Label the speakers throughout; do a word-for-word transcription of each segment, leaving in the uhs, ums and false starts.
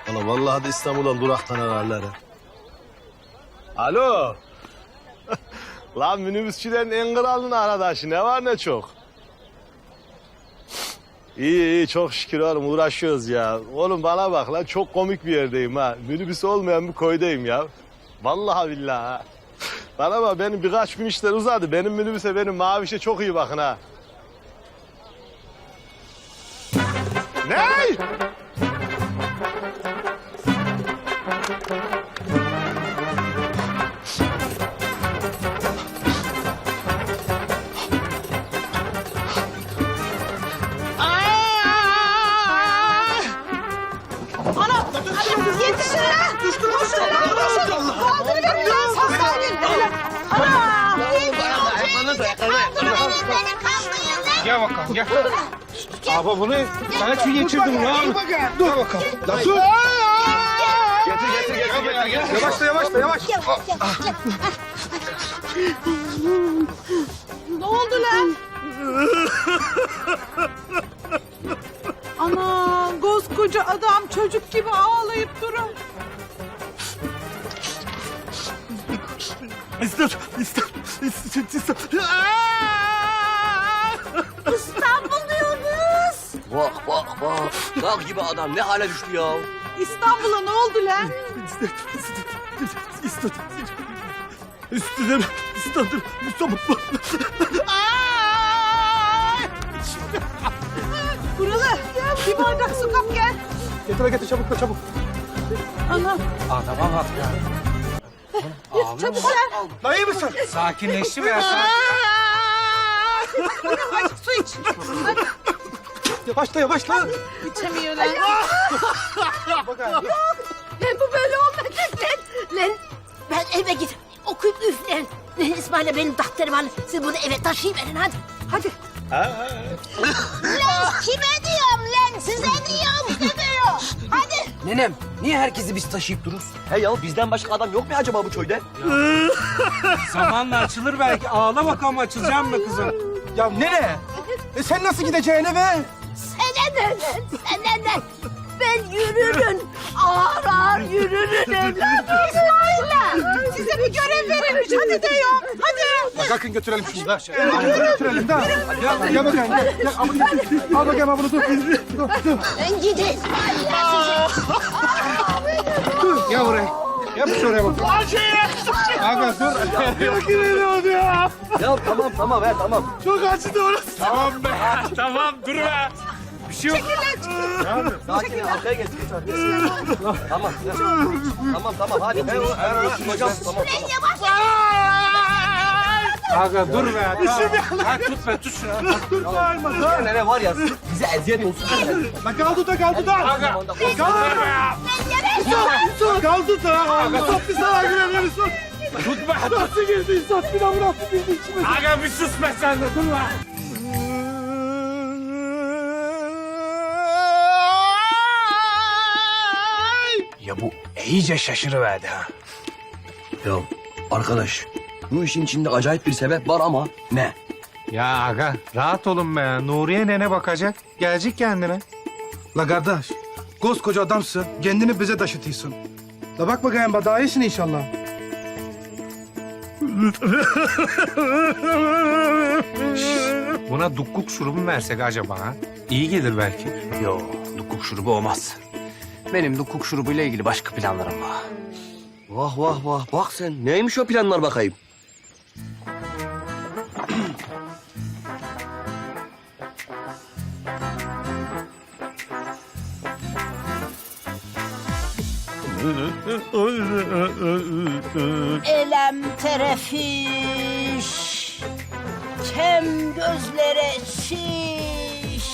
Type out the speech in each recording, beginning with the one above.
Speaker 1: Valla vallahi de İstanbul'dan duraktan ararlar ha. Alo. Lan minibüsçülerin en kralının arkadaşı ne var ne çok. İyi iyi çok şükür oğlum uğraşıyoruz ya. Oğlum bana bak lan çok komik bir yerdeyim ha. Minibüs olmayan bir koydayım ya. Vallahi billahi ha. Bana bak benim birkaç gün işler uzadı. Benim minibüse benim mavişe çok iyi bakın ha. Ne?
Speaker 2: Ana! Hadi yetişin lan! Düştü koşun lan! Koşun! Kaldırıverin lan! Sağ gelin! Ana!
Speaker 3: Gel bakalım gel. Abi bunu ben hiç mi geçirdim ya? Dur bakalım.
Speaker 1: Lan dur!
Speaker 3: Getir getir getir getir. getir. Yavaşla yavaşla yavaş.
Speaker 2: Ne oldu lan? Ana! Koskoca adam çocuk gibi ağlayıp durun.
Speaker 1: İstat, istat, istat, istat.
Speaker 2: İstanbul diyoruz.
Speaker 4: Bak bak bak. Dağ gibi adam ne hale düştü ya.
Speaker 2: İstanbul'a ne oldu lan?
Speaker 1: İstat, istat, İstediler, istadır, İstanbul.
Speaker 2: Buralı. Bir bardak su kap gel.
Speaker 3: Getir getir çabuk çabuk.
Speaker 2: Ana.
Speaker 3: Aa tamam artık ya.
Speaker 2: Çabuk gel.
Speaker 3: Lan iyi misin? Sakinleşti mi ya sen?
Speaker 2: Hadi su iç. Hadi.
Speaker 3: Yavaşla yavaşla.
Speaker 2: İçemiyor lan.
Speaker 3: Bakalım.
Speaker 5: Lan bu böyle olmayacak lan. Lan ben eve gidip okuyup üfleyin. Lan İsmail'e benim defterim alın. Siz bunu eve taşıyıverin hadi. Hadi. Lan kime diyorum lan? Size diyorum. Size diyor. Hadi.
Speaker 4: Nenem niye herkesi biz taşıyıp dururuz? He ya bizden başka adam yok mu acaba bu köyde?
Speaker 6: Zamanla açılır belki. Ağla bakalım açılacağım mı kızım?
Speaker 3: Ya nereye? E sen nasıl gideceksin eve?
Speaker 5: Sana ne lan? Sana ne? Ben yürürüm. Ağır ağır yürürüm evladım. İsmail'le.
Speaker 2: Size bir görev verilmiş. Hadi diyorum. Hadi.
Speaker 3: Ya kalkın götürelim şunu da. Götürelim da. Gel, gel bakayım. Gel, gel, al bakayım. Al bakayım al bunu dur. Dur, dur.
Speaker 5: Ben gideyim.
Speaker 3: Dur, gel buraya. Gel bir şuraya bak. Aga dur.
Speaker 1: Yok inanamadım ya.
Speaker 4: Ya tamam tamam he tamam.
Speaker 1: Çok acıdı orası.
Speaker 6: Tamam be. Tamam dur be. Bir şey yok.
Speaker 4: Sakin ol, arkaya geç geç arkaya. Tamam ya. Tamam tamam hadi. Ben, ben hocam tamam tamam.
Speaker 6: Aga dur be. Tamam. Ha, tut be tut şunu.
Speaker 4: Ya nene var ya bize eziyet olsun.
Speaker 3: Lan kaldı da kaldı da.
Speaker 6: Aga. Kaldır be ya.
Speaker 3: Kaldı da. Sok bir sana girelim sok.
Speaker 6: Tut be.
Speaker 3: Nasıl girdi İstat? Bir daha bıraktı girdi içime.
Speaker 6: Aga bir sus be sen de dur be. Ya bu iyice şaşırıverdi ha.
Speaker 4: Ya arkadaş bu işin içinde acayip bir sebep var ama ne?
Speaker 6: Ya aga rahat olun be ya. Nuriye nene bakacak. Gelecek kendine.
Speaker 3: La kardeş, koskoca adamsın, kendini bize taşıtıyorsun. La bak bakayım, daha iyisin inşallah.
Speaker 6: Buna dukkuk şurubu mu versek acaba ha? İyi gelir belki.
Speaker 7: Yo, dukuk şurubu olmaz. Benim dukuk şurubuyla ilgili başka planlarım var.
Speaker 4: Vah vah vah bak sen neymiş o planlar bakayım.
Speaker 5: Elem terefiş. Kem gözlere şiş.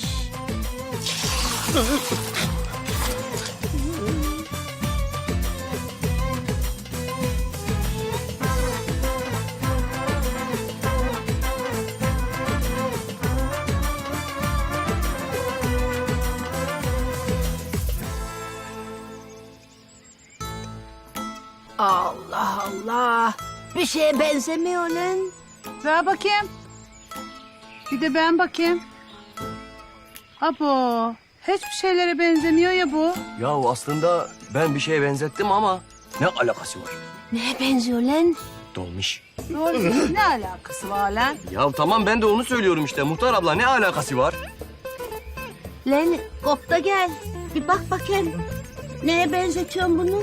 Speaker 5: Allah Allah. Bir şeye benzemiyor lan.
Speaker 2: Ver bakayım. Bir de ben bakayım. Abo. Hiçbir şeylere benzemiyor ya bu.
Speaker 4: Ya aslında ben bir şeye benzettim ama ne alakası var?
Speaker 5: Neye benziyor lan?
Speaker 4: Dolmuş.
Speaker 2: Doğru. Ne alakası var lan?
Speaker 4: Ya tamam ben de onu söylüyorum işte. Muhtar abla ne alakası var?
Speaker 5: Lan kop da gel. Bir bak bakayım. Neye benzetiyorsun bunu?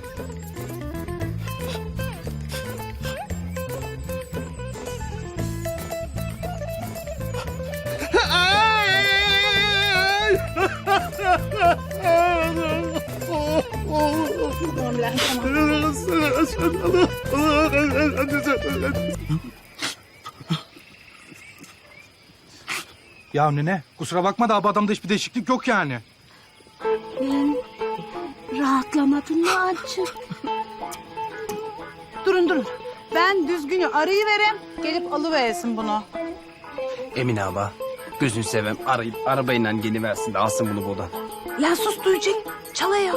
Speaker 3: Ya nene kusura bakma da abi adamda hiçbir değişiklik yok yani.
Speaker 5: Lan rahatlamadın mı azıcık?
Speaker 2: Durun durun. Ben düzgünü arayıverem. Gelip alıversin bunu.
Speaker 7: Emine abla. Gözünü seveyim arayıp arabayla geliversin de alsın bunu buradan.
Speaker 5: Lan sus duyacak. Çalıyor.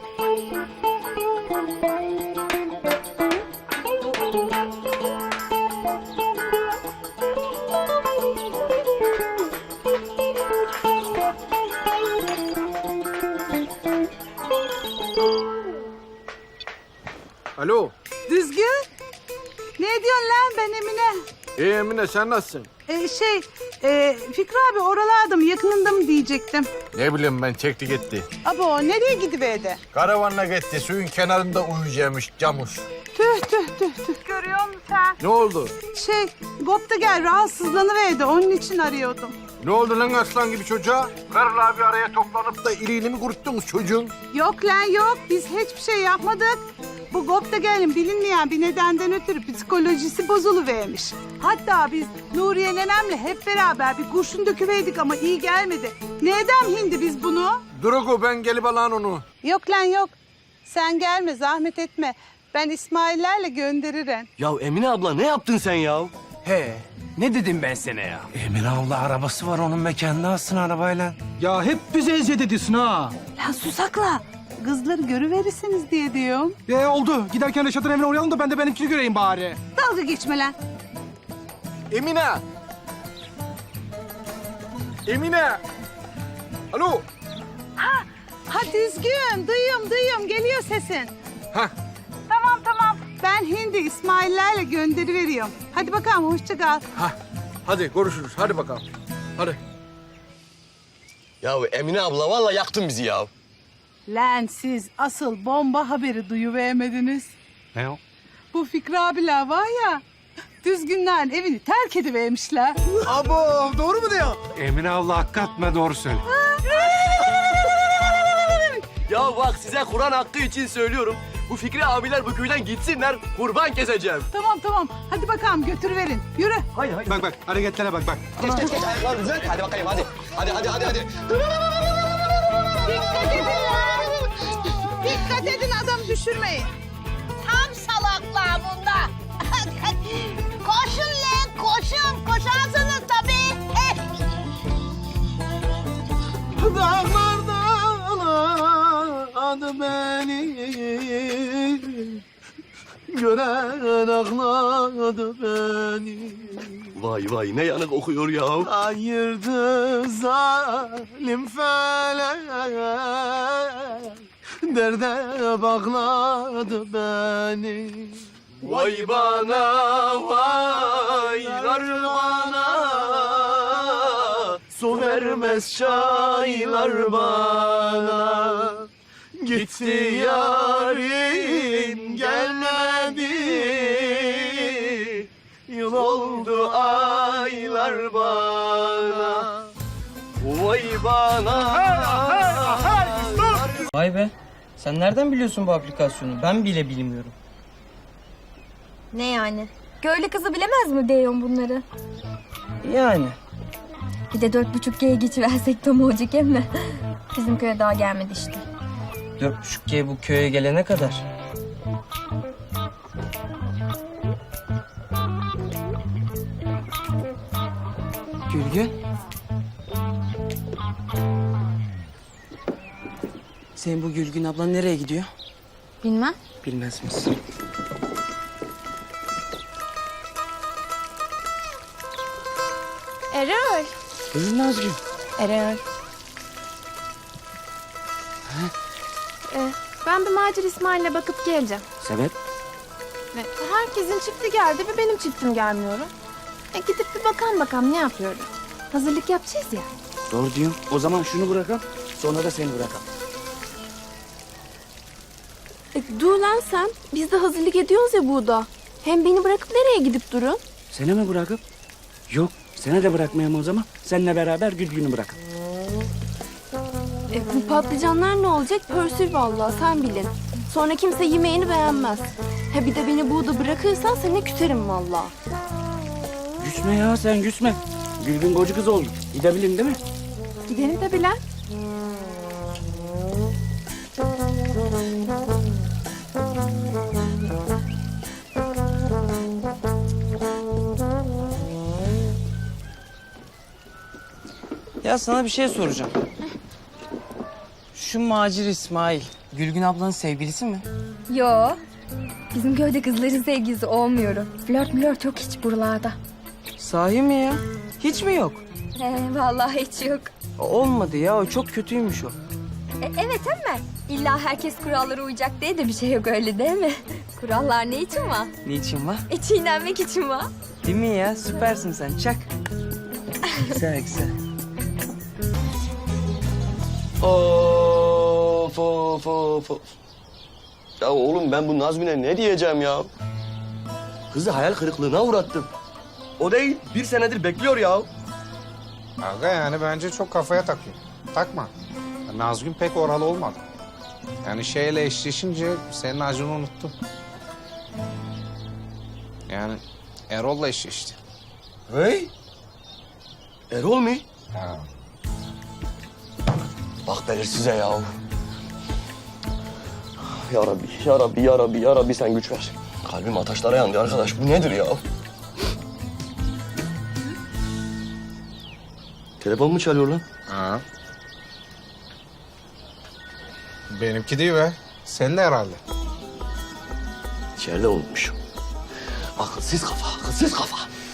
Speaker 8: Alo.
Speaker 2: Düzgün. Ne diyorsun lan ben Emine?
Speaker 8: İyi Emine sen nasılsın?
Speaker 2: Ee, şey, e, Fikri abi oralarda mı yakınında mı diyecektim.
Speaker 8: Ne bileyim ben çekti gitti.
Speaker 2: Abo nereye gidiverdi?
Speaker 8: Karavanla gitti suyun kenarında uyuyacakmış camus.
Speaker 2: Tüh tüh tüh tüh. Görüyor musun sen?
Speaker 8: Ne oldu?
Speaker 2: Şey, Gop da gel rahatsızlanıverdi. Onun için arıyordum.
Speaker 8: Ne oldu lan aslan gibi çocuğa? Karılar bir araya toplanıp da iliğini mi kuruttunuz çocuğun?
Speaker 2: Yok lan yok. Biz hiçbir şey yapmadık. Bu Gop da gelin bilinmeyen bir nedenden ötürü psikolojisi bozuluvermiş. Hatta biz Nuriye nenemle hep beraber bir kurşun döküverdik ama iyi gelmedi. Neden hindi biz bunu?
Speaker 8: Durugu ben gelip alan onu.
Speaker 2: Yok lan yok. Sen gelme zahmet etme. Ben İsmail'lerle gönderirim.
Speaker 4: Ya Emine abla ne yaptın sen ya?
Speaker 7: He. Ne dedim ben sana ya?
Speaker 6: Emine abla arabası var onun mekanına alsın arabayla.
Speaker 3: Ya hep bize eziyet ediyorsun ha.
Speaker 2: Lan susakla. Kızları görüverirsiniz diye diyorum.
Speaker 3: E oldu. Giderken Reşat'ın evine uğrayalım da ben de benimkini göreyim bari.
Speaker 2: Dalga geçme lan.
Speaker 8: Emine! Emine! Alo!
Speaker 2: Ha düzgün. Duyuyorum duyuyorum. Geliyor sesin.
Speaker 8: Hah.
Speaker 2: Tamam tamam. Ben Hindi İsmail'lerle gönderiveriyorum. Hadi bakalım hoşça kal.
Speaker 8: Hah. Hadi görüşürüz. Hadi bakalım. Hadi.
Speaker 4: Ya Emine abla vallahi yaktın bizi ya.
Speaker 2: Lan siz asıl bomba haberi duyuvermediniz.
Speaker 6: Ne o?
Speaker 2: Bu Fikri abiler var ya, düzgünlerin evini terk edivermişler.
Speaker 8: Abo doğru mu diyor?
Speaker 6: Emine abla hakikatme doğru söyle.
Speaker 4: Ya bak size Kur'an hakkı için söylüyorum. Bu Fikri abiler bu köyden gitsinler. Kurban keseceğim.
Speaker 2: Tamam tamam, hadi bakalım götürüverin. Yürü.
Speaker 4: Hayır hayır.
Speaker 3: Bak bak hareketlere bak bak.
Speaker 4: Geç geç geç ayaklar düzelt. Hadi bakayım hadi. Hadi hadi hadi hadi.
Speaker 2: Dikkat edin lan. Dikkat edin, adam düşürmeyin.
Speaker 5: Tam salaklar bunda. Koşun lan koşun. Koşarsınız tabii. Eh.
Speaker 1: Dağlardan beni gören ağladı beni.
Speaker 4: Vay vay ne yanık okuyor ya.
Speaker 1: Ayırdı zalim felek, derde bağladı beni.
Speaker 4: Vay bana vaylar bana.
Speaker 1: Su vermez çaylar bana. Gitti yarim gelmedi. Yıl oldu aylar bana.
Speaker 4: Vay bana.
Speaker 9: Vay be. Sen nereden biliyorsun bu aplikasyonu? Ben bile bilmiyorum.
Speaker 10: Ne yani? Köylü kızı bilemez mi diyorsun bunları?
Speaker 9: Yani.
Speaker 10: Bir de dört buçuk G'ye geçiversek tam olacak mi? Bizim köye daha gelmedi işte.
Speaker 9: Dört buçuk G bu köye gelene kadar. Gülgün. Senin bu Gülgün ablan nereye gidiyor?
Speaker 10: Bilmem.
Speaker 9: Bilmez misin?
Speaker 10: Erol.
Speaker 9: Buyurun Nazgül.
Speaker 10: Erol. Ee, ben bir Macir İsmail'le bakıp geleceğim.
Speaker 4: Sebep?
Speaker 10: Ve herkesin çifti geldi ve benim çiftim gelmiyor. E, gidip bir bakalım bakalım ne yapıyorum. Hazırlık yapacağız ya.
Speaker 4: Doğru diyorsun. O zaman şunu bırakalım. Sonra da seni bırakalım.
Speaker 10: E, dur lan sen. Biz de hazırlık ediyoruz ya burada. Hem beni bırakıp nereye gidip durun?
Speaker 4: Seni mi bırakıp? Yok. Seni de bırakmayayım o zaman. Seninle beraber Gülgün'ü bırakın.
Speaker 10: E, bu patlıcanlar ne olacak? Pörsür vallahi sen bilin. Sonra kimse yemeğini beğenmez. Ha bir de beni burada bırakırsan seni küserim vallahi.
Speaker 4: Güsme ya sen güsme. Gülgün koca kız oldu. Gidebilin değil mi?
Speaker 10: Gidelim de bilen.
Speaker 9: Ya sana bir şey soracağım. Şu Macir İsmail, Gülgün ablanın sevgilisi mi?
Speaker 10: Yo. Bizim köyde kızların sevgilisi olmuyorum. Flört mülört çok hiç buralarda.
Speaker 9: Sahi mi ya? Hiç mi yok?
Speaker 10: He, vallahi hiç yok.
Speaker 9: Olmadı ya, o çok kötüymüş o.
Speaker 10: E, evet ama illa herkes kurallara uyacak diye de bir şey yok öyle değil mi? Kurallar ne için var?
Speaker 9: Niçin var?
Speaker 10: E, çiğnenmek için var.
Speaker 9: Değil mi ya? Süpersin sen, çak. Güzel güzel.
Speaker 4: Of of of of. Ya oğlum ben bu Nazmi'ne ne diyeceğim ya? Kızı hayal kırıklığına uğrattım. O değil, bir senedir bekliyor ya.
Speaker 6: Aga yani bence çok kafaya takıyor. Takma. Nazgün pek oralı olmadı. Yani şeyle eşleşince senin acını unuttum. Yani Erol'la eşleşti.
Speaker 4: Hey? Erol mu?
Speaker 6: Ha.
Speaker 4: Bak belirsize ya. Ya Rabbi, ya Rabbi, ya Rabbi, ya Rabbi sen güç ver. Kalbim ataşlara yandı arkadaş. Bu nedir ya? Telefon mu çalıyor lan?
Speaker 6: Ha. Benimki değil be. Senin de herhalde.
Speaker 4: İçeride unutmuşum. Akılsız kafa, akılsız kafa.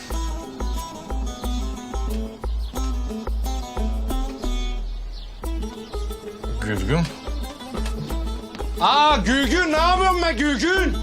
Speaker 6: Gülgün. Aa Gülgün ne yapıyorsun be Gülgün?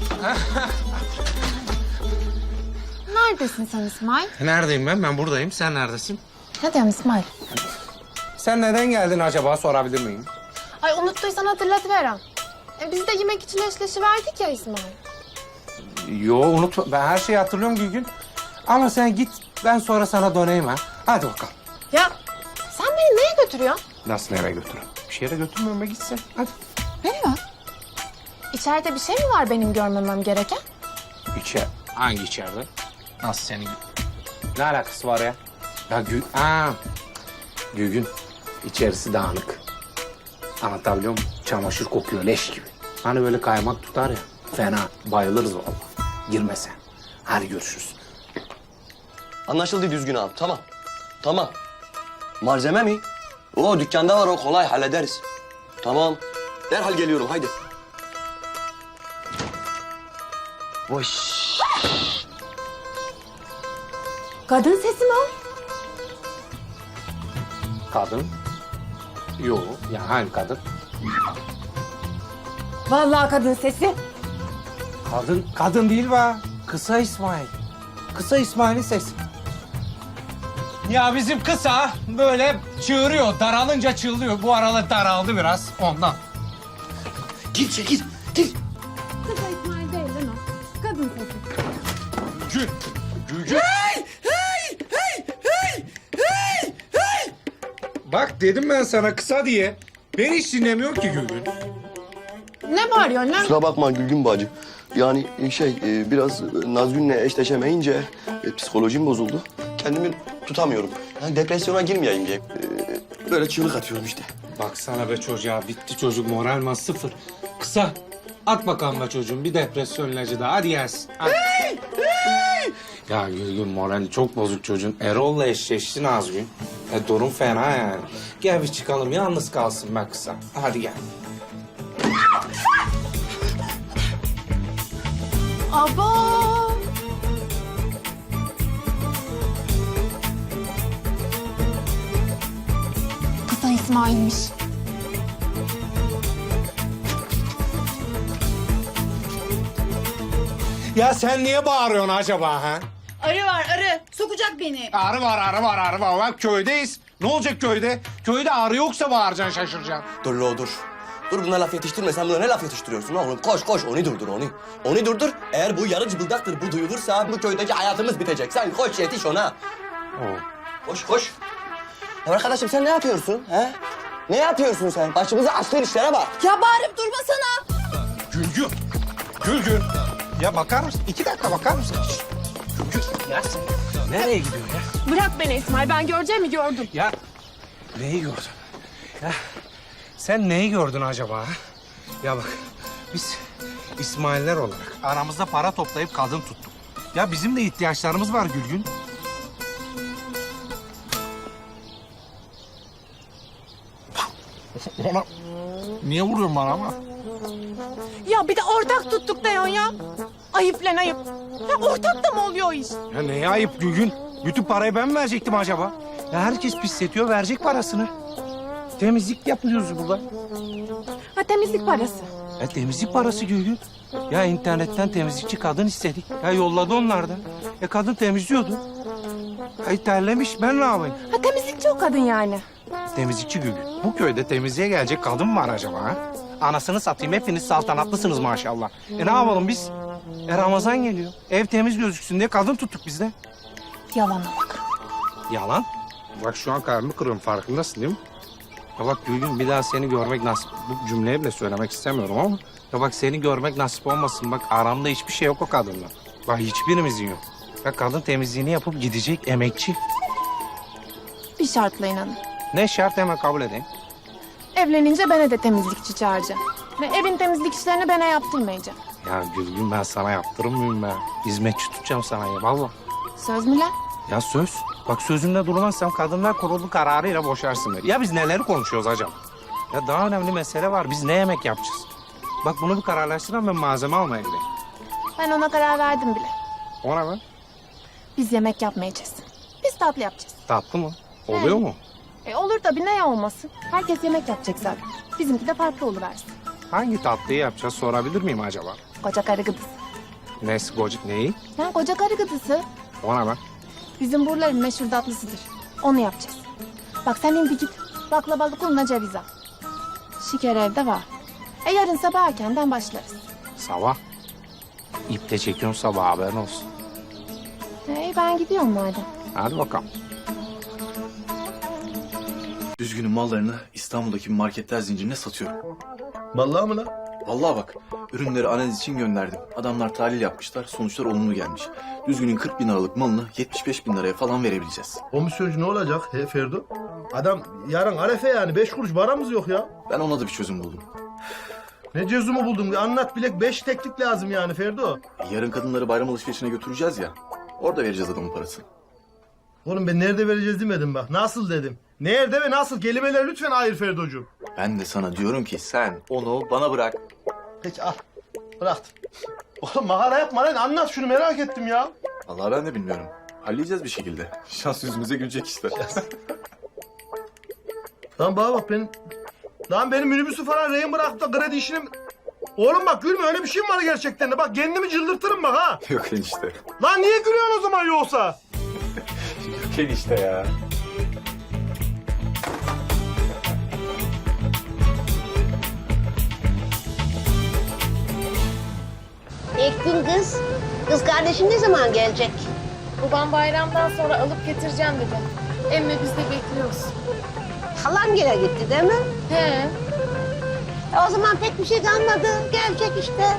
Speaker 10: Neredesin sen İsmail?
Speaker 6: Neredeyim ben? Ben buradayım. Sen neredesin?
Speaker 10: Ne diyorsun İsmail?
Speaker 6: Sen neden geldin acaba sorabilir miyim?
Speaker 10: Ay unuttuysan hatırlatıverem. E, biz de yemek için eşleşiverdik ya İsmail.
Speaker 6: Yo unutma. Ben her şeyi hatırlıyorum Gülgün. Ama sen git ben sonra sana döneyim ha. Hadi bakalım.
Speaker 10: Ya sen beni neye götürüyorsun?
Speaker 6: Nasıl nereye götürüyorum? Bir şeye götürmüyorum be gitsen. Hadi.
Speaker 10: Nereye? İçeride bir şey mi var benim görmemem gereken?
Speaker 6: İçer. Hangi içeride? Nasıl senin? Ne alakası var ya? Ya Gül... Aa, Gülgün. İçerisi dağınık. Anlatabiliyor muyum? Çamaşır kokuyor leş gibi. Hani böyle kaymak tutar ya. Fena. Bayılırız vallahi. Girme sen. Hadi görüşürüz.
Speaker 4: Anlaşıldı düzgün abi, tamam. Tamam. Malzeme mi? O dükkanda var, o kolay hallederiz. Tamam. Derhal geliyorum, haydi. Boş.
Speaker 10: Kadın sesi mi o?
Speaker 6: Kadın. Yok. Ya hangi kadın?
Speaker 10: Vallahi kadın sesi.
Speaker 6: Kadın. Kadın değil be. Kısa İsmail. Kısa İsmail'in sesi. Ya bizim kısa böyle çığırıyor. Daralınca çığlıyor. Bu aralar daraldı biraz ondan.
Speaker 4: Gir çekil, gir.
Speaker 10: Kısa İsmail değil lan o. Kadın sesi.
Speaker 6: Gül. Gülgün. Hey! Hey! Hey! Hey! Hey! Hey! Bak dedim ben sana kısa diye. Beni hiç dinlemiyor ki Gülgün.
Speaker 10: Ne bağırıyorsun lan?
Speaker 4: Kusura bakma Gülgün bacı. Yani şey, e, biraz Nazgün'le eşleşemeyince e, psikolojim bozuldu. Kendimi tutamıyorum. Yani depresyona girmeyeyim diye. e, Böyle çığlık atıyorum işte.
Speaker 6: Baksana be çocuğa bitti çocuk moralman sıfır. Kısa. At bakalım be çocuğum bir depresyon ilacı daha hadi gelsin. Hadi. Ya Gülgün morali çok bozuk çocuğun. Erol'la eşleşti Nazgün. E, durum fena yani. Gel bir çıkalım yalnız kalsın be kısa. Hadi gel.
Speaker 10: Aba! Kısa İsmail'miş.
Speaker 6: Ya sen niye bağırıyorsun acaba ha?
Speaker 2: Arı var arı. Sokacak beni.
Speaker 6: Arı var, arı var, arı var. Bak köydeyiz. Ne olacak köyde? Köyde arı yoksa bağıracaksın, şaşıracaksın.
Speaker 4: Dur lo dur. Dur buna laf yetiştirme. Sen buna ne laf yetiştiriyorsun oğlum? Koş koş onu durdur onu. Onu durdur. Eğer bu yarı cıbıldaktır bu duyulursa bu köydeki hayatımız bitecek. Sen koş yetiş ona. Koş koş. Ya arkadaşım sen ne yapıyorsun? He? Ne yapıyorsun sen? Başımıza açtığın işlere bak.
Speaker 10: Ya bağırıp durmasana.
Speaker 6: Gülgün. Gülgün. Ya bakar mısın? İki dakika bakar mısın? Şişt. Gülgün. Ya sen nereye gidiyorsun ya?
Speaker 10: Bırak beni İsmail, ben göreceğimi gördüm.
Speaker 6: Ya neyi gördün? Ya sen neyi gördün acaba? Ha? Ya bak biz İsmailler olarak aramızda para toplayıp kadın tuttuk. Ya bizim de ihtiyaçlarımız var Gülgün. Bana... Niye vuruyorsun bana ama?
Speaker 10: Ya bir de ortak tuttuk diyorsun ya. Ayıp lan ayıp. Ya ortak da mı oluyor o iş?
Speaker 6: Ya neye ayıp Gülgün? Bütün parayı ben mi verecektim acaba? Ya herkes pisletiyor, verecek parasını. Temizlik yapıyoruz burada.
Speaker 10: Ha temizlik parası.
Speaker 6: Ya temizlik parası Gülgün. Ya internetten temizlikçi kadın istedik. Ya yolladı onlar da. E kadın temizliyordu. Ay terlemiş, ben ne yapayım?
Speaker 10: Ha temizlikçi o kadın yani.
Speaker 6: Temizlikçi Gülgün. Bu köyde temizliğe gelecek kadın mı var acaba ha? Anasını satayım, hepiniz saltanatlısınız maşallah. E ne yapalım biz? E Ramazan geliyor. Ev temiz gözüksün diye kadın tuttuk biz de.
Speaker 10: Yalana bak.
Speaker 6: Yalan. Bak şu an karnımı kırıyorum, farkındasın değil mi? Ya bak Gülgün, bir daha seni görmek nasip... Bu cümleyi bile söylemek istemiyorum ama... Ya bak seni görmek nasip olmasın. Bak aramda hiçbir şey yok o kadınla. Bak hiçbirimizin yok. Ya kadın temizliğini yapıp gidecek, emekçi.
Speaker 10: Bir şartla inanın.
Speaker 6: Ne şart, hemen kabul edeyim.
Speaker 10: Evlenince bana de temizlikçi çağıracağım. Ve evin temizlik işlerini bana yaptırmayacağım.
Speaker 6: Ya Gülgün, ben sana yaptırır mıyım ben? Hizmetçi tutacağım sana ya vallahi.
Speaker 10: Söz mü lan?
Speaker 6: Ya söz. Bak sözümde durmazsam kadınlar kurulu kararıyla boşarsın beni. Ya biz neleri konuşuyoruz hacım? Ya daha önemli mesele var. Biz ne yemek yapacağız? Bak bunu bir kararlaştıran, ben malzeme almaya gideyim.
Speaker 10: Ben ona karar verdim bile.
Speaker 6: Ona ben.
Speaker 10: Biz yemek yapmayacağız. Biz tatlı yapacağız.
Speaker 6: Tatlı mı? Oluyor mu?
Speaker 10: E olur tabii, ne olmasın. Herkes yemek yapacak zaten. Bizimki de farklı oluversin.
Speaker 6: Hangi tatlıyı yapacağız sorabilir miyim acaba?
Speaker 10: Koca karı gıdısı.
Speaker 6: Nesi gocuk neyi?
Speaker 10: Ya koca karı gıdısı.
Speaker 6: Ona ben.
Speaker 10: Bizim buraların meşhur tatlısıdır. Onu yapacağız. Bak sen şimdi git baklavalı kuluna ceviz al. Şeker evde var. E yarın sabah erkenden başlarız.
Speaker 6: Sabah. İple çekiyorsun sabah, haberin olsun.
Speaker 10: E ben gidiyorum madem.
Speaker 6: Hadi bakalım.
Speaker 11: Düzgün'ün mallarını İstanbul'daki marketler zincirine satıyorum.
Speaker 1: Vallahi mı lan?
Speaker 11: Vallahi bak, ürünleri analiz için gönderdim. Adamlar tahlil yapmışlar, sonuçlar olumlu gelmiş. Düzgün'ün kırk bin liralık malını yetmiş beş bin liraya falan verebileceğiz.
Speaker 1: Komisyoncu ne olacak he Ferdo? Adam yarın arefe yani. Beş kuruş paramız yok ya.
Speaker 11: Ben ona da bir çözüm buldum.
Speaker 1: Ne cezumu buldun? Bir anlat bilek. Beş teklik lazım yani Ferdo.
Speaker 11: E, yarın kadınları bayram alışverişine götüreceğiz ya. Orada vereceğiz adamın parasını.
Speaker 1: Oğlum ben nerede vereceğiz demedim bak. Nasıl dedim. Nerede ve nasıl? Kelimeler lütfen ayır Ferdocuğum.
Speaker 11: Ben de sana diyorum ki sen onu bana bırak.
Speaker 1: Peki al. Bıraktım. Oğlum makara yapma lan. Anlat şunu, merak ettim ya.
Speaker 11: Vallahi ben de bilmiyorum. Halledeceğiz bir şekilde. Şans yüzümüze gülecek işte.
Speaker 1: Lan bana bak benim... Lan benim minibüsü falan rehin bırakıp da kredi işini... Oğlum bak gülme, öyle bir şey mi var gerçekten de? Bak kendimi cıldırtırım bak ha.
Speaker 11: Yok enişte.
Speaker 1: Lan niye gülüyorsun o zaman yoksa?
Speaker 11: Yok enişte ya.
Speaker 5: Ektin kız. Kız kardeşin ne zaman gelecek?
Speaker 10: Babam bayramdan sonra alıp getireceğim dedi. Emmi biz de bekliyoruz.
Speaker 5: Halam gene gitti değil mi?
Speaker 10: He.
Speaker 5: E o zaman pek bir şey kalmadı. Gelecek işte.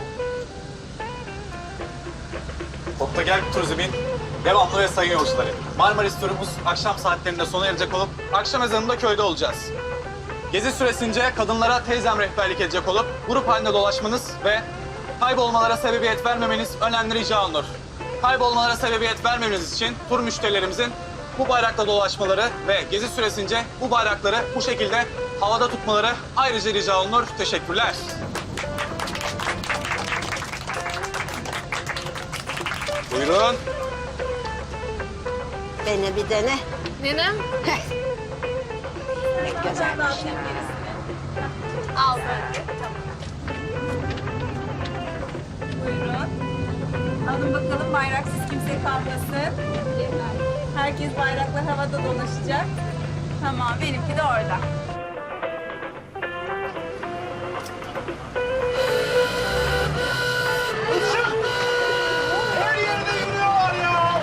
Speaker 12: Topta Gel Turizm'in devamlı ve sayın yolcuları. Marmaris turumuz akşam saatlerinde sona erecek olup akşam ezanında köyde olacağız. Gezi süresince kadınlara teyzem rehberlik edecek olup grup halinde dolaşmanız ve kaybolmalara sebebiyet vermemeniz önemli rica olunur. Kaybolmalara sebebiyet vermemeniz için tur müşterilerimizin bu bayrakla dolaşmaları ve gezi süresince bu bayrakları bu şekilde havada tutmaları ayrıca rica olunur. Teşekkürler. Buyurun.
Speaker 5: Dene bir dene.
Speaker 10: Nenem?
Speaker 5: Ne güzelmiş.
Speaker 10: Al. bayraksız kimse kalmasın. Herkes bayraklar havada dolaşacak. Tamam, benimki de orada.
Speaker 8: Her yerde yürüyorlar ya.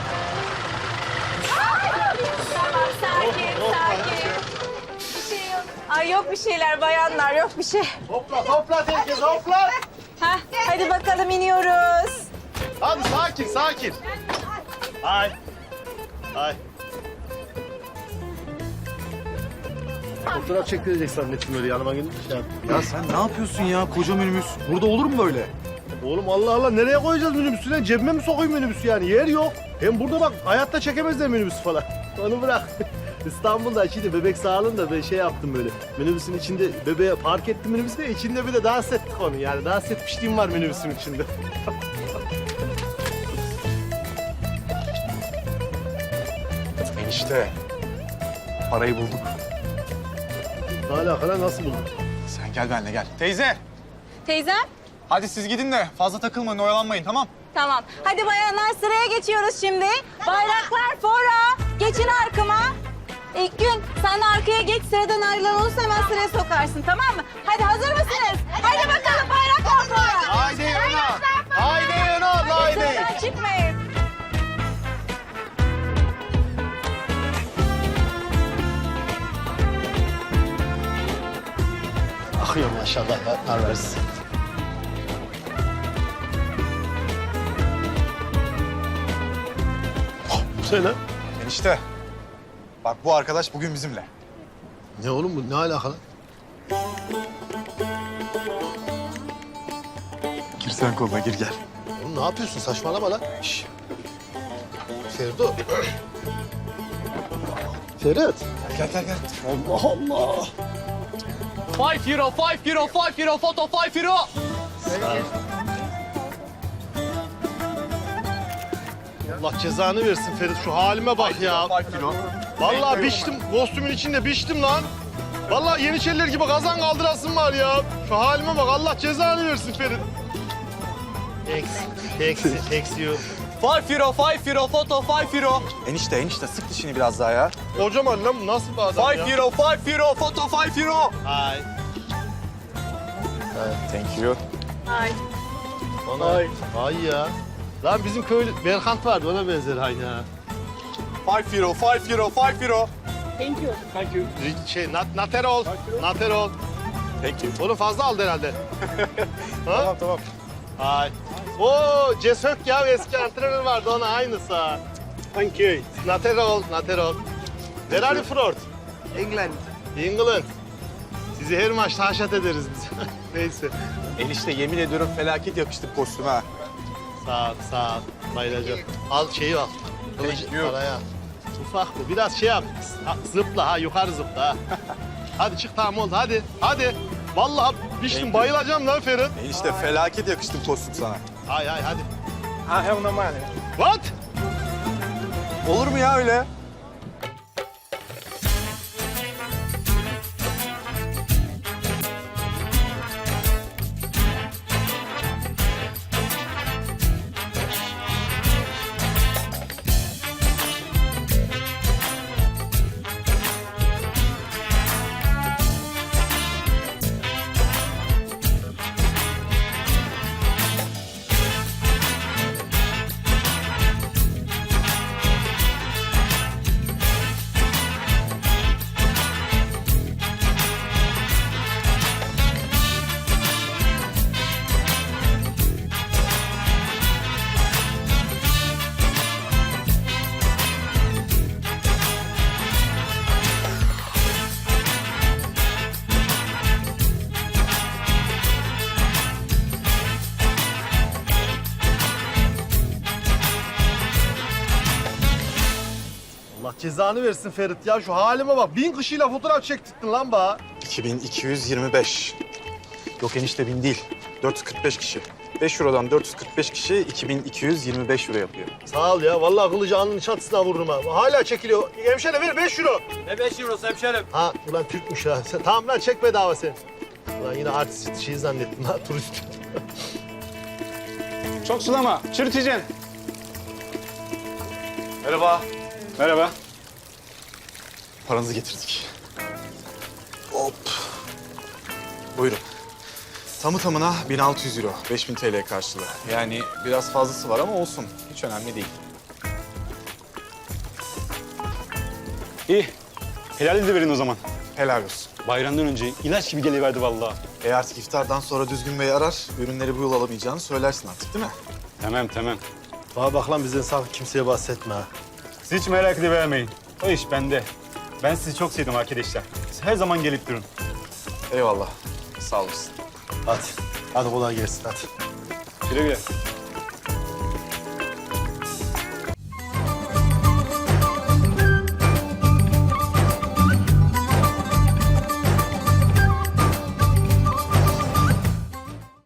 Speaker 10: Tamam, sakin, sakin. Bir şey yok. Ay yok bir şeyler bayanlar, yok bir şey.
Speaker 1: Hopla hopla herkes hopla.
Speaker 10: Hah, hadi bakalım iniyoruz.
Speaker 1: Hadi sakin sakin. Ay. Ay. Fotoğraf çektirecek zannettim öyle yanıma gelip şey yaptım.
Speaker 11: Ya sen ne yapıyorsun ya? Koca minibüs. Burada olur mu böyle?
Speaker 1: Oğlum Allah Allah nereye koyacağız minibüsü lan? Cebime mi sokayım minibüsü yani? Yer yok. Hem burada bak hayatta çekemezler minibüsü falan. Onu bırak. İstanbul'da şimdi bebek sağlığında ben şey yaptım böyle. Minibüsün içinde bebeğe park ettim minibüsü de içinde bir de dans ettik onu. Yani dans etmişliğim var minibüsün içinde.
Speaker 8: Enişte. Parayı bulduk.
Speaker 1: Ne alakalı nasıl buldun?
Speaker 8: Sen gel benimle gel. Teyze.
Speaker 10: Teyzem?
Speaker 12: Hadi siz gidin de fazla takılmayın, oyalanmayın tamam?
Speaker 10: Tamam. Hadi bayanlar sıraya geçiyoruz şimdi. Bayraklar fora. Geçin arkama. İlk gün sen de arkaya geç, sıradan ayrılan olursa hemen sıraya sokarsın, tamam mı? Hadi hazır mısınız? Hadi bakalım bayraklar fora.
Speaker 1: Haydi Yunan! Haydi Yunan! Haydi!
Speaker 10: Sıradan çıkmayın.
Speaker 1: Akıyor maşallah ya. Versin. Bu ne lan?
Speaker 8: Enişte. Bak bu arkadaş bugün bizimle.
Speaker 1: Ne oğlum bu? Ne alakalı?
Speaker 8: Gir sen koluna gir gel.
Speaker 1: Oğlum ne yapıyorsun? Saçmalama lan. Şş. Ferdo. Ferhat.
Speaker 8: Gel gel gel.
Speaker 1: Allah Allah.
Speaker 12: Five euro, five euro, five euro, foto five euro.
Speaker 1: Allah cezanı versin Ferit. Şu halime bak ya.
Speaker 12: Five euro.
Speaker 1: Vallahi biçtim. Kostümün içinde biçtim lan. Vallahi Yeniçeriler gibi kazan kaldırasın var ya. Şu halime bak. Allah cezanı versin Ferit. Eksi, eksi, eksi yok.
Speaker 12: Five euro, five euro, foto five euro.
Speaker 8: Enişte enişte sık dişini biraz daha ya.
Speaker 1: Kocaman lan bu nasıl bir adam
Speaker 12: Five
Speaker 1: ya?
Speaker 12: euro, five euro, foto five euro.
Speaker 1: Ay.
Speaker 8: Thank you.
Speaker 10: Ay.
Speaker 1: Ay. Ay ya. Lan bizim köylü Berkant vardı ona benzer aynı ha.
Speaker 12: Five euro, five euro, five euro.
Speaker 10: Thank you.
Speaker 12: Thank you.
Speaker 1: Şey, nat, naterol. Naterol.
Speaker 12: Thank you.
Speaker 1: Oğlum fazla aldı herhalde. ha?
Speaker 8: Tamam tamam.
Speaker 1: Ay. Oo, Cesök ya eski antrenör vardı ona aynısı ha. Thank you. Naterol, naterol. Where are you from?
Speaker 7: England.
Speaker 1: England. Sizi her maç taşat ederiz biz. Neyse.
Speaker 8: Enişte yemin ediyorum felaket yakıştı kostüme ha.
Speaker 1: Sağ ol, sağ ol. Bayılacağım. Al şeyi al. Kılıcı paraya. Ufak bu. Biraz şey yap. Ha, zıpla ha, yukarı zıpla ha. Hadi çık tamam oldu hadi. Hadi. Vallahi biçtim bayılacağım lan Ferit.
Speaker 8: Enişte felaket yakıştı kostüm sana.
Speaker 1: Hay hay hadi.
Speaker 8: Ha hem normal.
Speaker 1: What?
Speaker 8: Olur mu ya öyle?
Speaker 1: Allah cezanı versin Ferit ya. Şu halime bak. Bin kişiyle fotoğraf çektirdin lan bana.
Speaker 8: iki bin iki yüz yirmi beş. Yok enişte bin değil. dört yüz kırk beş kişi. beş eurodan dört yüz kırk beş kişi iki bin iki yüz yirmi beş euro yapıyor.
Speaker 1: Sağ ol ya. Vallahi kılıcı alnının çatısına vururum ha. Hala çekiliyor. Hemşire ver beş euro.
Speaker 12: Ne beş eurosu hemşerim?
Speaker 1: Ha ulan Türkmüş ha. Sen, tamam lan çek bedava sen. Ulan yine artist şey zannettim ha turist.
Speaker 12: Çok sulama, çürüteceksin.
Speaker 8: Merhaba. Merhaba. Paranızı getirdik. Hop. Buyurun. Tamı tamına bin altı yüz euro, beş bin T L karşılığı. Yani biraz fazlası var ama olsun. Hiç önemli değil.
Speaker 3: İyi. Helal de verin o zaman.
Speaker 8: Helal olsun.
Speaker 3: Bayramdan önce ilaç gibi geliverdi vallahi.
Speaker 8: E artık iftardan sonra Düzgün Bey arar, ürünleri bu yıl alamayacağını söylersin artık değil mi?
Speaker 3: Tamam tamam.
Speaker 1: Bana bak lan bizden sakın kimseye bahsetme ha.
Speaker 3: Siz hiç merak edivermeyin. O iş bende. Ben sizi çok sevdim arkadaşlar. Siz her zaman gelip durun.
Speaker 8: Eyvallah. Sağ olasın.
Speaker 1: Hadi. Hadi kolay gelsin hadi.
Speaker 3: Güle güle.